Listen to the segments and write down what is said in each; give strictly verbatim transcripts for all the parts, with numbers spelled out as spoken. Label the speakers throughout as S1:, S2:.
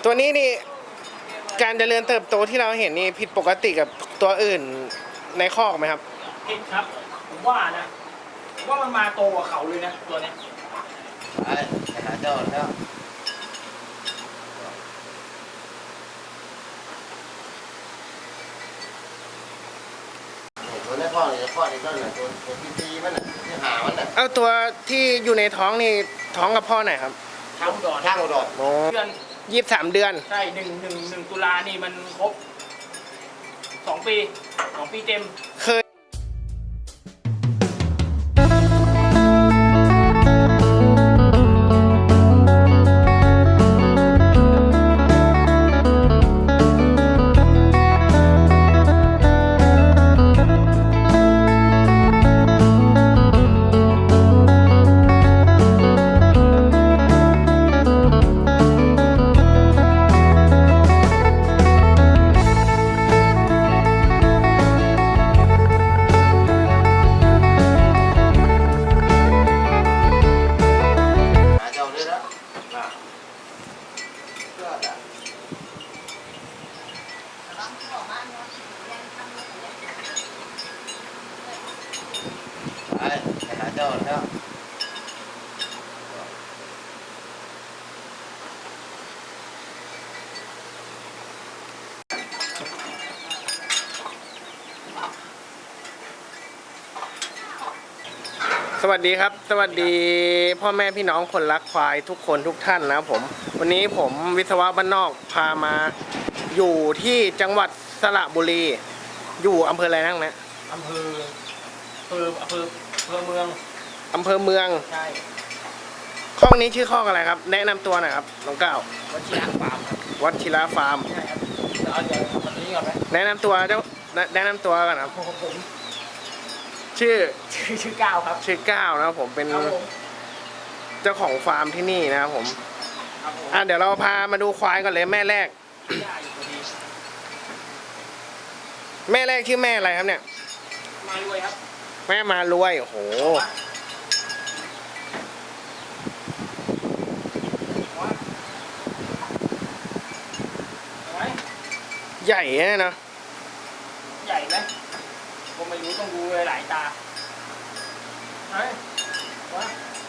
S1: ตัวนี้นี่การเจริญเติบโตที่เราเห็นนี่ผิดปกติกับตัวอื่นในคอกไหมครับ
S2: ผิดครับผมว่านะผมว่ามันมาโตกว่าเขาเลยนะตัวเนี้ย
S3: ไปไปหาเจ้าแล้วตัวนี้พ่อเนี่ยพ่อนี่ก็เนี่ยตัวตัวที่ตีมันน่ะที่หามันน่ะ
S1: เอาตัวที่อยู่ในท้องนี่ท้องกับพ่อไหนครับ
S2: ทางอุดร
S3: ทางอุดร
S1: โอ้
S2: เดือน
S1: ยี่สิบสามเดือน
S2: ใช่หนึ่งหนึ่งหนึ่งตุลานี่มันครบสองปีสองปีเต็ม
S1: เคย
S3: ไปไปหาเจ้าแล้ว
S1: สวัสดีครับสวัสดีพ่อแม่พี่น้องคนรักควายทุกคนทุกท่านนะครับผมวันนี้ผมวิศวะบ้านนอกพามาอยู่ที่จังหวัดสระบุรีอยู่อำเภออะไรนั่งนะ
S2: อำเภออำเภออำเภออำเภอเมือง
S1: อำเภอเมือง
S2: ใช่
S1: คอกนี้ชื่อคอกอะไรครับแนะนำตัวหน่อยครับน้องก้าว
S2: วัชิระฟาร์ม
S1: วัชิระฟาร์ม
S2: ใช่ครับเอาเดี๋ยววันนี้ก่อนไหม
S1: แนะนำตัวเจ้าแนะนำตัวกันครับ
S2: ผม
S1: ชื่อ
S2: ชื่อชื่อก้าวครับ
S1: ชื่อก้าวนะครับผมเป็นเจ้าของฟาร์มที่นี่นะครับผมอ่ะเดี๋ยวเราพามาดูควายก่อนเลยแม่แรกแม่แรกชื่อแม่อะไรครับเนี่ย
S2: มารวยครับ
S1: แม่มารวยโอ้โหใหญ่เนี่ยนะ
S2: ใหญ่ไหมผมไม่รู้ต้องดูหลายตาไหนวะ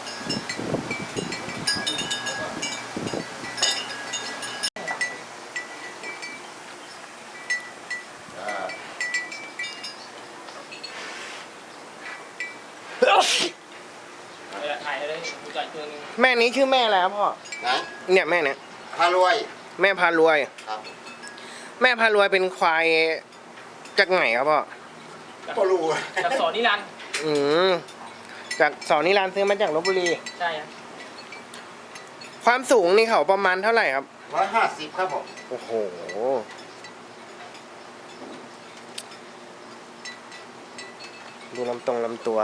S2: ถ่ายเลยดูจ่ายตัวนึง
S1: แม่นี้ชื่อแม่อะไรครับพ่อ
S3: นะ
S1: เนี่ยแม่เนี่ย
S3: พารวย
S1: แม่พารวย
S3: ครับ
S1: แม่พารวยเป็นควายจากไหนครับพ่อ
S3: ก็รู้
S2: จากสอนนิรันดร์
S1: อืมจากสอนนิรันดร์ซื้อมาจากลพบุรี
S2: ใช่ครับ
S1: ความสูงนี่เขาประมาณเท่าไหร่ครับ
S3: ร้อยห้าสิบครับผม
S1: โอ้โหดูลำตรงลำตัว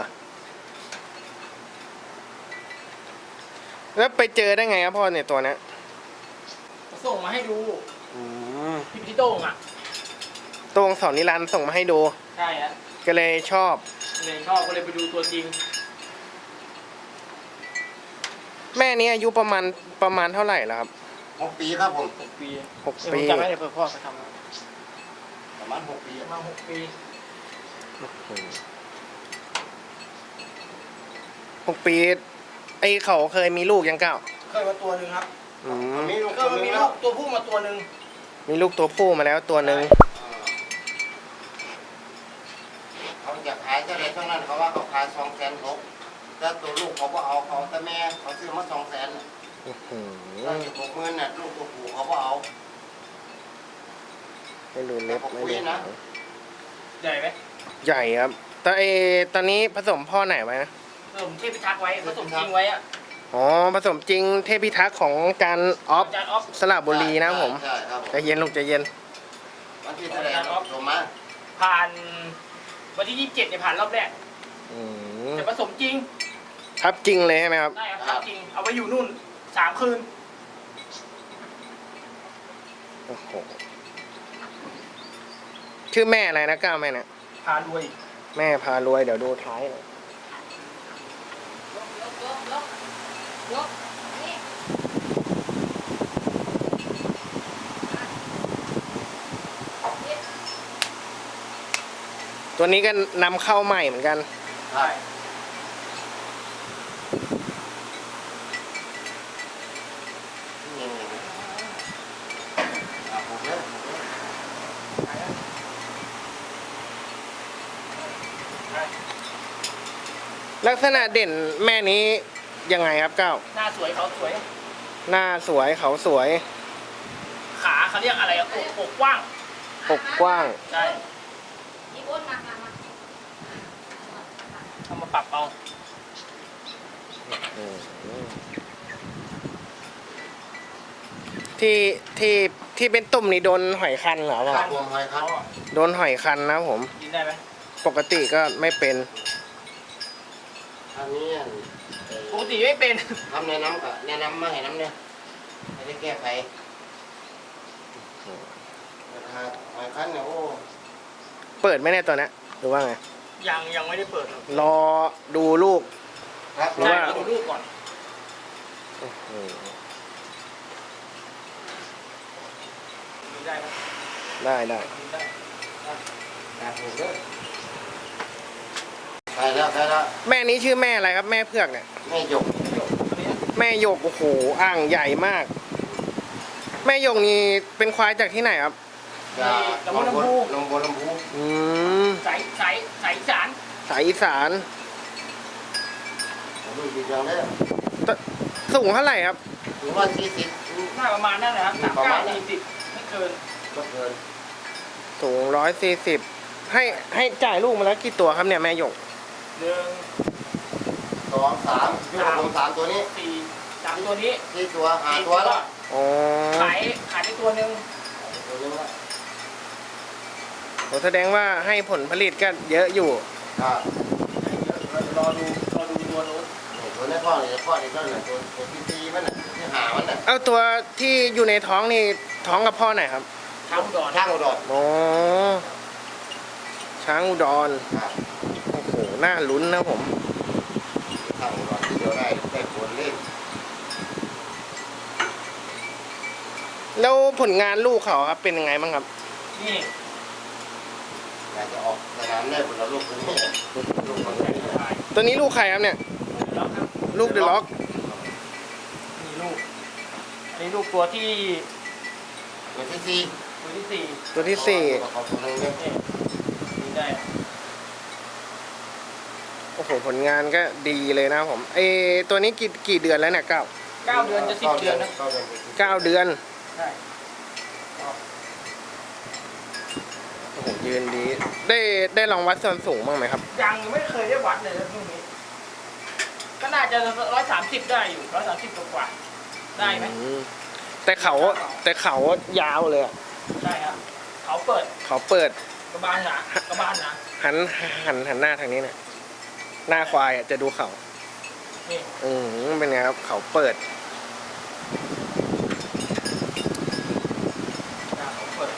S1: แล้วไปเจอได้ไงครับพ่อเนี่ยตัวนี้
S2: ส่งมาให้ดู
S1: อืม
S2: พี่พี่โต้งอ่ะ
S1: โต้งสอนนิรันดร์ส่งมาให้ดู
S2: ใช่ฮะ
S1: ก็เลยชอบ
S2: เลยชอบก็เลยไปดูตัวจริง
S1: แม่นี้อายุประมาณประมาณเท่าไหร่แล้วครับ
S3: หกปีครับผม
S2: หกปี
S1: หกปี
S2: จำไม่ได้เพื่อพ่อเขาท
S3: ำประมาณหกปี
S2: ประมาณหกปี
S1: หกปีไอเขาเคยมีลูกยังเก้า
S2: เคยมาตัวหนึ่งครับ
S1: อืม
S2: มีลูกก็มีลูกตัวผู้มาตัวหนึ่ง
S1: มีลูกตัวผู้มาแล้วตัวหนึ่ง
S3: เขาอยากขายเท่าไรเท่านั้นเขาว่าเขาขายสองแสนหกแต่ตัวลูกเขาก็เอาเขาแต่แม่เขาซื้อมาสองแสนเราอยู่หกหมื่นน่ะลูกตัวผู้เขาก็เอา
S1: ไม่ดูเล็บไม่ดู
S2: นะใหญ่ไหม
S1: ใหญ่ครับแต่ไอตอนนี้ผสมพ่อไหนไว้นะ
S2: ผสมเทพิทักษ์ไว้ผสมจริงไว้อะ
S1: อ๋อผสมจริงเทพิทักษ์ของการออฟสระบุรีนะผมใจเย็นลูกใจเย็น
S3: วันที่แสดงออฟส่งมา
S2: ผ่านวันที่ยี่สิบเจ็ดเนี่ยผ่านรอบแรกแต่ผสมจริง
S1: ทับจริงเลยใช่ไหมครับ
S2: ได้ครับทับจริงเอาไว้อยู่นู่นสามคืน
S1: โอ้โหชื่อแม่อะไรนะก้าวแม่เนี่ย
S2: พารวย
S1: แม่พารวยเดี๋ยวดูท้ายหน่อยตัวนี้ก็นำเข้าใหม่เหมือนกัน
S3: ใช่นี่ไงอ่ะผมเนี่ยผมเนี่ย
S1: ลักษณะเด่นแม่นี้ยังไงครับเก้า
S2: หน้าสวยเขาสวย
S1: หน้าสวยเขาสวย
S2: ขาเขาเรียกอะไรอะอกอกกว้าง
S1: อกกว้าง
S2: ใช่
S4: อีอ้นมามามา
S2: เอามาปรับเอา
S1: อืมที่ที่ที่เป็นตุ่มนี่โดนหอยคันเหรอ
S3: ค
S1: วะ
S3: รับผมหอยครับ
S1: โดนหอยคันนะผม
S2: กินได้ไหม
S1: ปกติก็ไม่เป็น
S3: อันนี้
S2: ปกติไม่เป็น
S3: ทำแนะนำกับแนะนำมาให้น้ำเนี่ยให้ได้แก้ไขหอยคันเนี่ยโอ้
S1: เปิดไหมเนี่ยตัวเนี้ยหรือว่าไง
S2: ยังยังไม่ได้เปิด
S1: รอดูลูก
S3: ครับ
S1: หรือ
S2: ใช่
S1: ว่า
S2: ดูรูปก่อน
S1: อืม
S2: ดูได้ไหม
S1: ได้ได้
S2: ดูได้
S3: ครับผมเด้อไปแล้วไปแล้ว
S1: แม่นี้ชื่อแม่อะไรครับ แม่เผือกเนี่ย
S3: แม่หยก
S2: ตัวนี้
S1: แม่หยกโอ้โหอ่างใหญ่มาก แม่หยกนี่เป็นควายจากที่ไหนครับ
S3: จะลงบนลงบนลำพู
S1: อืม
S2: ใสใสใสสาร
S1: สายอีสาน
S3: ผมดูดีจังเลย
S1: ตสูงเท่าไหร่ครับ
S3: ถึงว่าสี่สิบ
S2: หน้าประมาณนั่นแหละครับสาม
S3: ประ
S2: เก้า
S3: มาณนั้น
S2: สี่สิบไม่เกิน
S3: ก็เกิน
S1: สูงร้อยสี่สิบให้ให้จ่ายลูกมาแล้วกี่ตัวครับเนี่ยแม่หยก
S2: หนึ่ง
S3: สองสามยูโรสามตัวนี้
S2: สี่สามตัวนี้
S3: สี่ตัวหา
S2: สี่
S3: ตัวแล้ว
S1: อ๋อ
S2: ขายขายได้ตัวหนึ่ง
S3: ตัวนึงละ
S1: โหแสดงว่าให้ผลผลิตก็เยอะอยู่
S3: อ่าร
S2: อดูรอดูตัวนู้น
S3: ตัวนี้พ่อเนี่ยพ่อเนี่ยก็เนี่ยตัวตัวที่ตีมันน่ะที่หามันน่ะ
S1: เอาตัวที่อยู่ในท้องนี่ท้องกับพ่อไหนครับ
S2: ช้างอุดร
S3: ช่างอุดร
S1: อ๋อช้างอุดร
S3: ครับ
S1: โอ้โหน่าลุ้นนะผม
S3: ช่างอุดรที่เดียวได้ได้ผลเล่น
S1: แล้วผลงานลูกเขาครับเป็นยังไงบ้างครับ
S2: นี่
S3: อยากจะออกสนามได้ผลละลูกตัวนี้ลูกคน
S2: ใส่
S3: นี้
S2: ขาย
S1: ตัวนี้ลูกใครครับเนี่ย
S2: แล้วครับ
S1: ลูกเดอะล็อก
S2: นี่ลูกอันนี้ลูกตัวที่
S3: ตัวที่สี่
S2: ตัวที่สี่
S1: ตัวที่สี่
S3: ขอตัวนึงเนี่ย
S2: นี่นี่ได้
S1: โอ้โหผลงานก็ดีเลยนะผมเออตัวนี้กี่กี่เดือนแล้วเนี่ยเก้า
S2: เก้าเดือนจะสิบเดือนนะ
S3: เก้าเดือนจะสิบ
S1: เก้าเดือน
S2: ใช่
S1: โอ้โหยืนดี ได้ได้ลองวัดส่วนสูงบ้างไหมครับ
S2: ยังไม่เคยได้วัดเลยนะพวกนี้ ก็น่าจะร้อยสามสิบได้อยู่ร้อยสามสิบกว่าๆได้ไหม
S1: อืมแต่เขาแต่เขายาวเลยอะ
S2: ใช่ครับเขาเปิด
S1: เขาเปิด
S2: กระบาลหนากระบาลหนา
S1: หันหันหันหน้าทางนี้เนี่ยหน้าควายอะจะดูเขา
S2: นี่
S1: อืมเป็นไงครับเขาเปิด
S2: หน้าเขาเปิด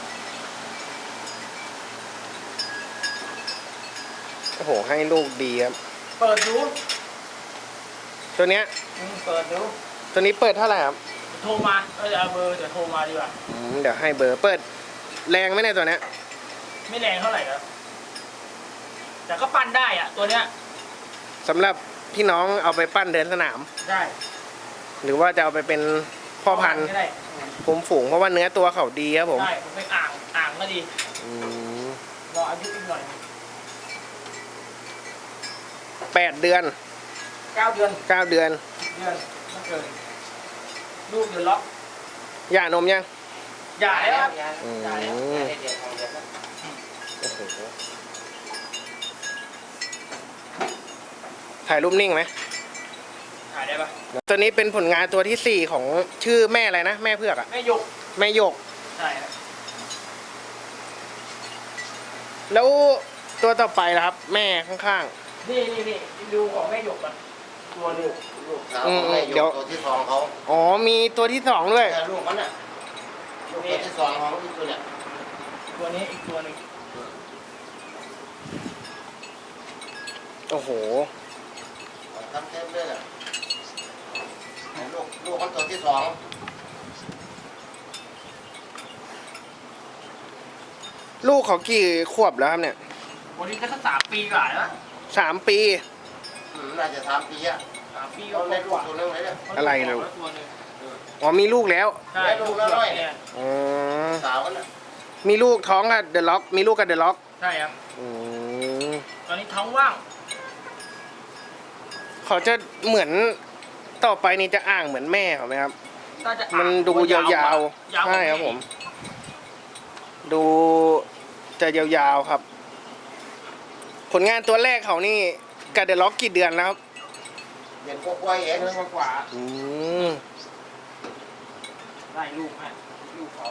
S1: โอ้โหให้ลูกดีครับ
S2: เปิดดู
S1: ตัวเนี้ย
S2: อืมเปิดดู
S1: ตัวนี้เปิดเท่าไหร่ครับ
S2: โทรมาเออเอาเบอร์เดี๋ยวโทรมาดีกว่า
S1: อืมเดี๋ยวให้เบอร์เปิดแรงไหมเนี่ยตัวเนี้ย
S2: ไม่แรงเท่าไหร่ครับแต่ก็ปั้นได้อ่ะ ตัวเนี้ย
S1: สำหรับพี่น้องเอาไปปั้นเดินสนาม
S2: ได้
S1: หรือว่าจะเอาไปเป็นพ่อพันธุ์
S2: ก็ได้
S1: ผมฝูงเพราะว่าเนื้อตัวเขาดีครับผม
S2: ได้ผมเป็นอ่างอ่างก็ดี
S1: อืม
S2: รออายุอีกหน่อย
S1: แปดเดือน
S2: เก้าเดือน
S1: เก้าเดือน
S2: เดือนไม่เกินลูกเดือนล็อก
S1: หย่านมยัง
S2: อย่าแล้วครับ
S3: ยา
S1: อืม
S3: ยาแล้วยาได้เดือนสองเดือนแล้ว
S1: โอ้โหถ่ายรูปนิ่งไหม
S2: ถ่ายได้ปะ
S1: ตัวนี้เป็นผลงานตัวที่สี่ของชื่อแม่อะไรนะ แม่เพือกอะ
S2: แม่ยก
S1: แม่หยก
S2: ใช่ครับ
S1: แล้วตัวต่อไปล่ะครับ แม่ข้าง
S2: นี่นี่นี่ดูของแม่ยกก่อนตัวหนึง
S3: ลูกสาวของแม่หยกตัวที่สองเขา
S1: ๆ อ๋อมีตัวที่สองด้วย
S3: แต่ลูกมันน่ะลูกตัวที่สองของอีกตัวเนี่ย
S2: ตัวนี้อีกตัวหนึง
S1: โอ้โห
S3: ทำเต็มเลยอ่ะลูกลูกมันตัวที่สอง
S1: ลูกเขากี่ขวบแล้วครับเนี่ย
S2: วันนี้ก็สักสามปีกว่าแล้ว
S1: สามปี
S3: อืมน่าจะสามปีอะ
S2: สามปี
S3: เรา
S2: ก็
S3: ได้
S2: ก
S3: ลูก
S2: ว่า
S3: ตัวนึงเลยเนี่ย
S1: อะไรเนี่ย
S2: ตัวหนึ่ง
S1: อ๋อมีลูกแล้ว
S2: ใช่
S3: ได้ลูกแล้วด้วย
S2: เนี่ย
S1: อ๋อ
S3: สาวกันน่ะ
S1: มีลูกท้องกับเดอะล็อกมีลูกกับเดอะล็อก
S2: ใช่ครับ
S1: อืม
S2: ตอนนี้ท้องว่าง
S1: เขาจะเหมือนต่อไปนี่จะอ่างเหมือนแม่เขาไหมครับ
S2: น่าจะ
S1: มันดูยาวๆ
S2: ยาว
S1: ใช่ครับผม ดูจะยาวๆครับ ผลงานตัวแรกเขานี่กับเดอะล็อกกี่เดือนแล้วครับ
S3: เห็นพวกกล้วยเอง
S2: เดือนกว่า
S1: อืม
S2: ๆได้ลูกให้ลูกเขา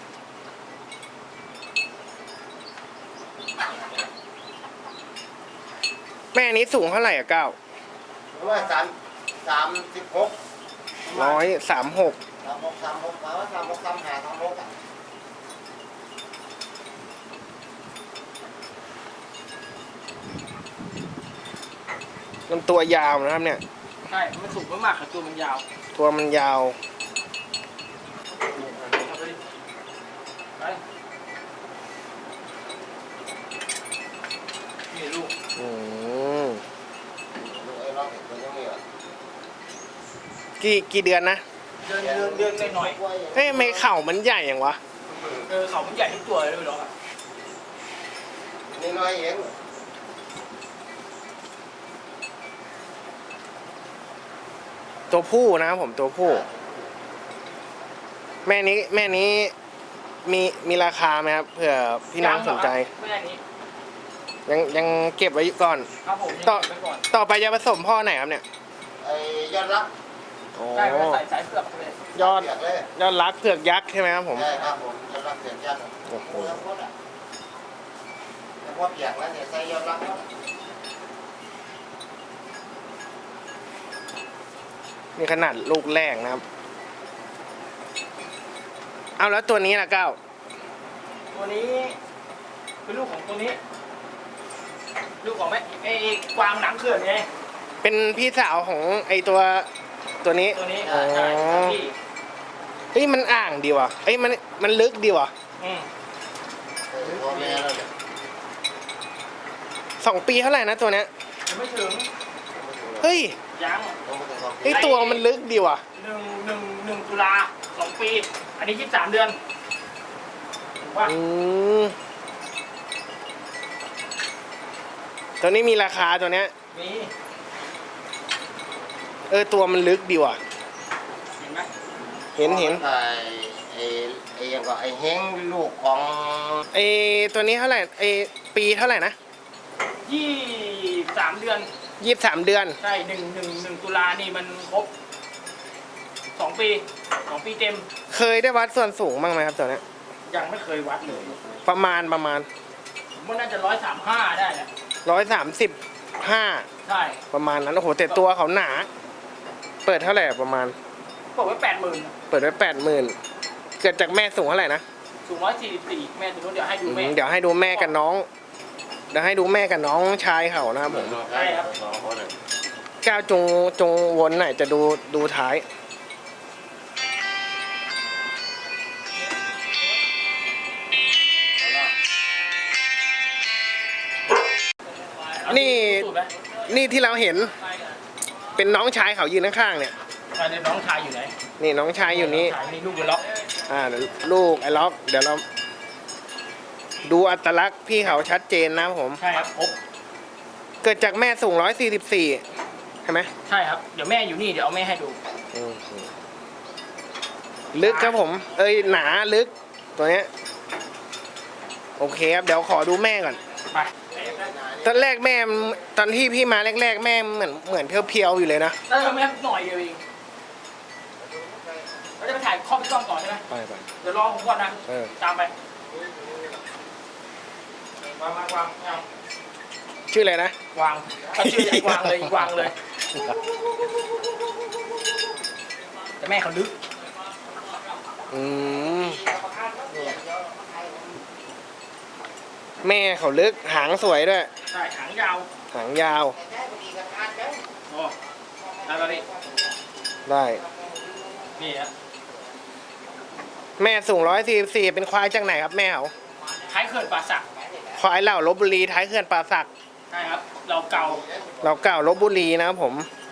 S1: แม่นี้สูงเท่าไหร่อะเก้า
S3: ว่าสามสามสิบหก
S1: ร้อยสามหก
S3: สามหกสามหกมาว่าสามหกสามหาสามหกอ่ะ
S1: ลำตัวยาวนะครับเนี่ย
S2: ใช่มันสูงมากๆแต่ตัวมันยาว
S1: ตัวมันยาว
S2: เอาไปดิไปนี่ลูก
S1: อืม
S3: ลูกไอ้ร้องเห็นตัวยังมีอ่ะ
S1: กี่กี่เดือนนะ
S2: เดินเดินเดินไปหน่อย
S3: กล้วยเอง
S1: เฮ้ยทำไม่เข่ามันใหญ่อย่างวะ
S2: เออเขามันใหญ่ทุกตัวเลยไม่หรอกอะ
S3: นี่น้อยเอง
S1: ตัวผู้นะครับผมตัวผู้ แม่นี้แม่นี้มีมีราคาไหมครับเผื่อพี่น้องสนใจ
S2: แม่นี้
S1: ยังยังเก็บไว้ก่อน
S2: ครับผมยัง
S1: ต่อ
S2: เก็บไว้ก่อน
S1: ต่อไปจะผสมพ่อไหนครับเนี่ย
S3: ไอ้ยอดรัก
S1: โอ้
S2: ได้ไปใส่สายเผือกไปเลย
S1: ยอด
S3: เปียกเลย
S1: ยอดรักเผือกยักษ์ใช่ไหมครับผม
S3: ใช่ครับผมยอดรักเสียงยัน
S1: โอ้โห
S3: แล้วพวกอ่ะแล้วพวกเปียกแล้วเนี่ยใส่ยอดรักแล้ว
S1: นี่ขนาดลูกแรกนะครับ เอาแล้วตัวนี้ล่ะเก้า
S2: ตัวนี้เป็นลูกของตัวนี้ ลูกของแม่ไอ้กวางหนังเขื่อนไง
S1: เป็นพี่สาวของไอตัวตัวนี้
S2: ตัวนี้
S1: อ๋อ
S2: ใช่ครับพี่
S1: เฮ้ยมันอ่างดีว่ะเอ้ยมันมันลึกดีว่ะ
S2: อืม
S3: เออตัวแม่แล้วเนี่ย
S1: สองปีเท่าไหร่นะตัวเนี้ย
S2: ยังไม่ถึง
S1: เฮ้ย
S2: ยัง
S3: ต้องไปสองปี
S1: เฮ้ยตัวมันลึกดีว่ะ
S2: หนึ่งหนึ่งหนึ่งตุลาสองปี อันนี้ยี่สิบสามเดือนถูกว่า
S1: อืมตัวนี้มีราคาตัวเนี้ย
S2: มี
S1: เออตัวมันลึกดีว่ะ
S2: เห็นไหม
S1: เห็นเห็น
S3: ไอ้ไอ้ไอ้ยังก็ไอ้เฮงลูกของ
S1: ไอตัวนี้เท่าไหร่ไอปีเท่าไหร่นะ
S2: ยี่สิบสามเดือน
S1: ยี่สิบสามเดือน
S2: ใช่หนึ่งหนึ่งหนึ่งตุลานี่มันครบสองปีสองปีเต็ม
S1: เคยได้วัดส่วนสูงบ้างไหมครับตัวเนี้ย
S2: ยังไม่เคยวัดเลย
S1: ประมาณประมาณ
S2: ผมว่าน่าจะร้อยสามห้าได้แหละ
S1: ร้อยสามสิบห้า
S2: ใช่
S1: ประมาณนั้นโอ้โหแต่ตัวเขาหนา เปิดเท่าไหร่ประมาณ
S2: บอกไว้แปดหมื่น
S1: เปิดไว้แปดหมื่นเกิดจากแม่สูงเท่าไหร่นะ
S2: สูงร้อยสี่สิบสี่แม่ถึงนู้นเดี๋ยวให้ดูแม่
S1: อืมเดี๋ยวให้ดูแม่กับน้อง เดี๋ยวให้ดูแม่กับน้องชายเขานะครับผม
S3: ใช่ครับสองคนเลย
S1: ก้าวจงจงวนหน่อยจะดูดูท้าย นี่
S2: สูตรไหม
S1: นี่ที่เราเห็นเป็นน้องชายเขายืนข้างๆเนี่ย
S2: ไปเดี๋ยวน้องชายอยู่ไหน
S1: นี่น้องชายอยู่นี้
S2: งชายนี่ลูกเดือดล็อก
S1: อ่าเดี๋ยวลูกไอ้ล็อกเดี๋ยวเรา ดูอัตลักษณ์พี่เขาชัดเจนนะครับผม
S2: ใช่ครับครบ
S1: เกิดจากแม่สูงร้อยสี่สิบสี่ใช่ไหม
S2: ใช่ครับเดี๋ยวแม่อยู่นี่เดี๋ยวเอาแม่ให้ดู
S1: อืมลึกครับผม เอ้ยหนาลึกตัวเนี้ยโอเคครับเดี๋ยวขอดูแม่ก่อน
S2: ไป
S1: ตอนแรกแม่ตอนที่พี่มาแรกๆ แม่เหมือนเหมือนเพียวๆอยู่เลยนะ
S2: เออแม่หน่อยเดียวเองเราจะไปถ่ายข้อพี่กล้องต่อใช่ไหม
S1: ไปไป
S2: เดี๋ยวรอผมก่อนนะ
S1: เออ
S2: ตามไปวางวางวางเอา
S1: ชื่ออะไรนะ
S2: วางเอาชื่อใหญ่วางเลยอีกวางเลย แต่แม่เขาลึก
S1: อืมแม่เขาลึกหางสวยด้วย
S2: ใช่หางยาว
S1: หางยาว
S2: โอ้ได้แล้วนี่
S1: ได้
S2: นี่ฮะ
S1: แม่สูงร้อยสี่สิบสี่เป็นควายจากไหนครับแม่เขา
S2: คล้ายเขื่อนป่าสัก
S1: คควายเหล่าลบบุรีท้ายเขื่อนป่าสัก
S2: ใช่ครับ เราเก่า
S1: เราเก่าลบบุรีนะครับผม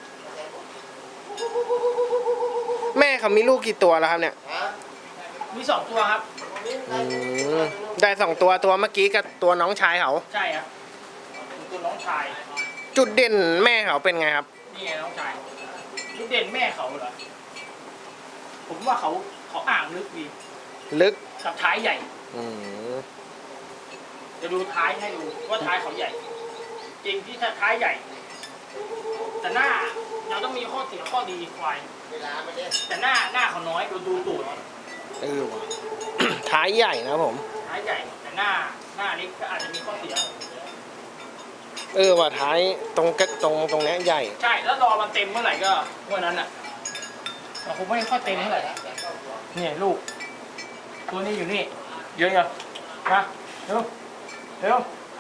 S1: แม่เขามีลูกกี่ตัวแล้วครับเนี่ย
S3: ฮะ
S2: มีสองตัวครับ
S1: อืมได้สองตัวตัวเมื่อกี้กับตัวน้องชายเขา
S2: ใช่ครับตัวน้องชาย
S1: จุดเด่นแม่เขาเป็นไงครับ
S2: นี่ไงน้องชายจุดเด่นแม่เขาเหรอ ผมว่าเขาเขาอ่างลึกดี
S1: ลึก
S2: กับท้ายใหญ่
S1: อืม
S2: จะดูท้ายให้ดูว่าท้ายเขาใหญ่ จริงที่ท้ายใหญ่ แต่หน้าเราต้องมีข้อเสียข้อดีควาย
S3: เวลาไม่ได้
S2: แต่หน้าหน้าเขาน้อยดูดูตูด
S1: เออว่ะ ท้ายใหญ่นะครับผม
S2: ท้ายใหญ่ แต่หน้าหน้าเล็กก็อาจจะมีข้อเสีย
S1: เออว่ะท้ายตรงกระตรงตรงเนี้ยใหญ่
S2: ใช่แล้วรอมันเต็มเมื่อไหร่ก็เมื่อนั้นอ่ะแต่คงไม่ค่อยเต็มเท่าไหร่เนี่ยลูก ตัวนี้อยู่นี่เยอะยังมาเร็วเร็ว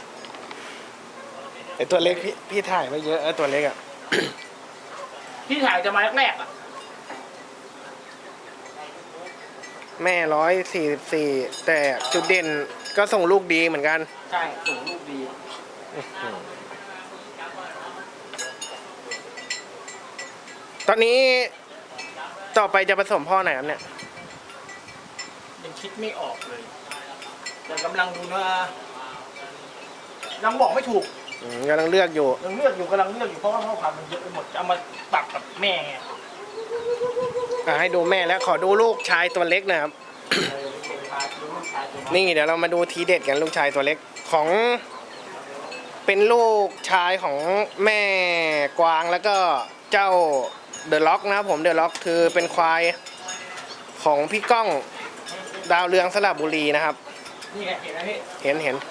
S1: ไอตัวเล็กพี่พี่ถ่ายไว้เยอะเออตัวเล็กอ่ะ
S2: ที่ถ่ายจะมาแรกๆอ่ะ
S1: แม่ร้อยสี่สิบสี่แต่จุดเด่นก็ส่งลูกดีเหมือนกัน
S2: ใช่ส่งลูกดี
S1: ตอนนี้ต่อไปจะผสมพ่อไหนครับเนี่ย
S2: ยังคิดไม่ออกเลยแต่กำลังดูนะยังบอกไม่ถูก
S1: อืมกำลังเลือกอยู่
S2: ยังเลือกอยู่กำลังเลือกอยู่เพราะว่าพ่อพันธุ์มันเยอะไปหมดจะเอามาปรับกับแม่ไง
S1: อ่ะให้ดูแม่แล้วขอดูลูกชายตัวเล็กหนะครับ
S2: เออเป็นชายดูลูกชายตัวน้อย
S1: นี่เดี๋ยวเรามาดูทีเด็ดกันลูกชายตัวเล็กของเป็นลูกชายของแม่กวางแล้วก็เจ้าเดอะล็อกนะครับผมเดอะล็อกคือเป็นควายของพี่ก้องดาวเรืองสระบุรีนะครับ
S2: นี่ไงเห็นไหมพี่
S1: เห็นเห็น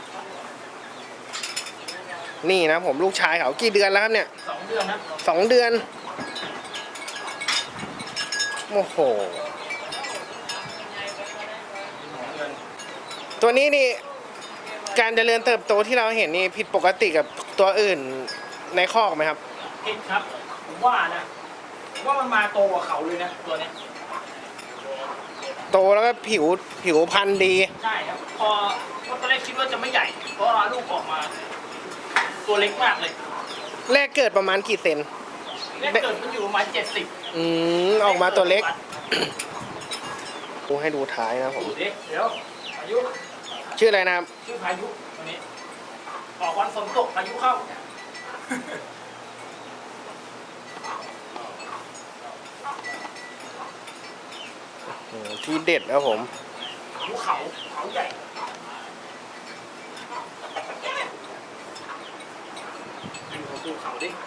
S1: นี่นะผมลูกชายเขากี่เดือนแล้วครับเนี่ย
S2: สองเดือนนะ
S1: สองเดือนโอ้โห
S2: สองเดือน
S1: ตัวนี้นี่การเจริญเติบโตที่เราเห็นนี่ผิดปกติกับตัวอื่นในคอกไหมครับ
S2: ผิดครับผมว่านะผมว่ามันมาโตกว่าเขาเลยนะตัวเนี้ย
S1: โตแล้วก็ผิวผิวพันธุ์ดี
S2: ใช่ครับพอพอตอนแรกคิดว่าจะไม่ใหญ่เพราะว่าลูกออกมา ตัวเล็กมากเลย
S1: แรกเกิดประมาณกี่เซน
S2: แรกเกิดมันอยู่ประมาณเจ็ดสิบ
S1: อืมออกมาตัวเล็กดูให้ดูท้ายนะผม
S2: ดูดิเดี๋ยวพายุ
S1: ชื่ออะไรนะครับ
S2: ชื่อพายุตัวนี้ออกวันฝนตกพายุเข้า
S1: โอ้โหที่เด็ดแล้วผม
S2: ภูเขาเขาใหญ่ดูภูเขาดิ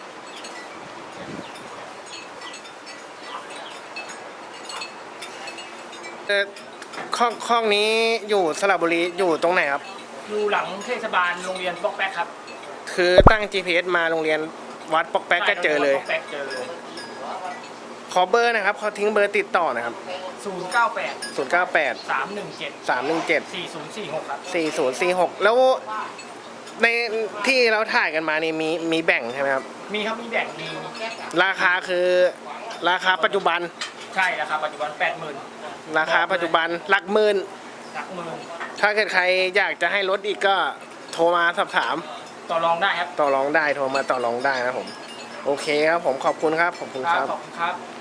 S1: เอ่อข้องข้องนี้อยู่สระบุรีอยู่ตรงไหนครับ
S2: อยู่หลังเทศบาลโรงเรียนปอกแป๊กครับ
S1: คือตั้ง จี พี เอส มาโรงเรียนวัดปอกแป๊กก็เจอเลย
S2: ปอกแป๊กเจอเลย
S1: ขอเบอร์นะครับขอทิ้งเบอร์ติดต่อนะครับ
S2: ศูนย์เก้าแปด
S1: ศูนย์ เก้า แปด
S2: สามหนึ่งเจ็ด
S1: สาม หนึ่ง เจ็ด
S2: สี่ศูนย์สี่หกครับ
S1: สี่ ศูนย์ สี่ หก แล้วในที่เราถ่ายกันมานี่มีมีแบ่งใช่ไหมครับ
S2: มีครับมีแบ่งมี
S1: ราคาคือราคาปัจจุบัน
S2: ใช่ราคาปัจจุบันแปดหมื่น
S1: ราคาปัจจุบันหลักหมื่น
S2: หลักหมื่น
S1: ถ้าเกิดใครอยากจะให้ลดอีกก็โทรมาสอบถาม
S2: ต่อรองได้ครับ
S1: ต่อรองได้โทรมาต่อรองได้นะครับผม โอเคครับผมขอบคุณครับขอบคุณ
S2: ค
S1: ค
S2: รั
S1: รั
S2: บบ ขอบคุณครับ